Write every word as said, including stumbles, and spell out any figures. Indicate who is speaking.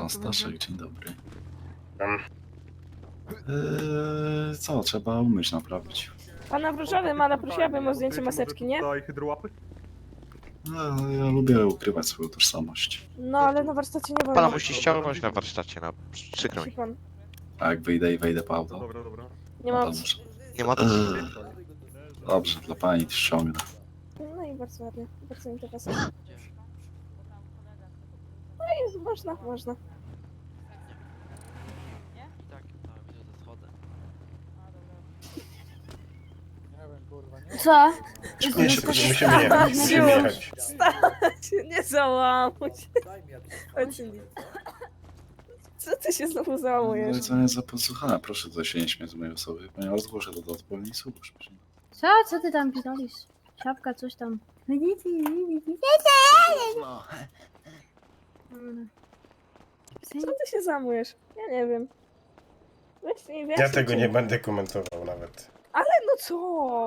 Speaker 1: Pan Staszek, dzień dobry.
Speaker 2: Tam.
Speaker 1: Eee, co, trzeba umyć, naprawić.
Speaker 3: Pana w różowym, ale prosiłabym o zdjęcie maseczki, nie?
Speaker 2: Daj hydrołapy?
Speaker 1: No, ja lubię ukrywać swoją tożsamość.
Speaker 3: No ale na warsztacie nie wolno.
Speaker 4: Pana musi ściągnąć na warsztacie, no. Przykro mi.
Speaker 3: Musi pan.
Speaker 1: A jak wyjdę i wejdę po auto,
Speaker 2: Dobra, dobra.
Speaker 3: Nie
Speaker 1: to
Speaker 3: ma.
Speaker 1: muszę.
Speaker 4: Nie ma to.
Speaker 1: Eee, dobrze, dla pani ściągnę.
Speaker 3: No i bardzo ładnie, bardzo mi to pasuje. No i można, można.
Speaker 5: Co?
Speaker 1: Szkoda się,
Speaker 2: Musimy
Speaker 1: proszę.
Speaker 2: jechać, musimy jechać.
Speaker 3: Stać, nie załamuj się. Chodź, Cindy. Co ty się znowu
Speaker 1: No
Speaker 3: załamujesz?
Speaker 1: i co jest za podsłuchane? Proszę tutaj się nie śmiać z mojej osoby, ponieważ zgłoszę to do odpowiedniej służby.
Speaker 5: Co? Co ty tam pitolisz? Siapka, coś tam.
Speaker 1: No.
Speaker 3: Co ty się załamujesz? Ja nie wiem. Weź mi
Speaker 2: Ja
Speaker 3: wyjaśnij,
Speaker 2: tego
Speaker 3: czy-
Speaker 2: nie będę komentował nawet.
Speaker 3: Ale no co?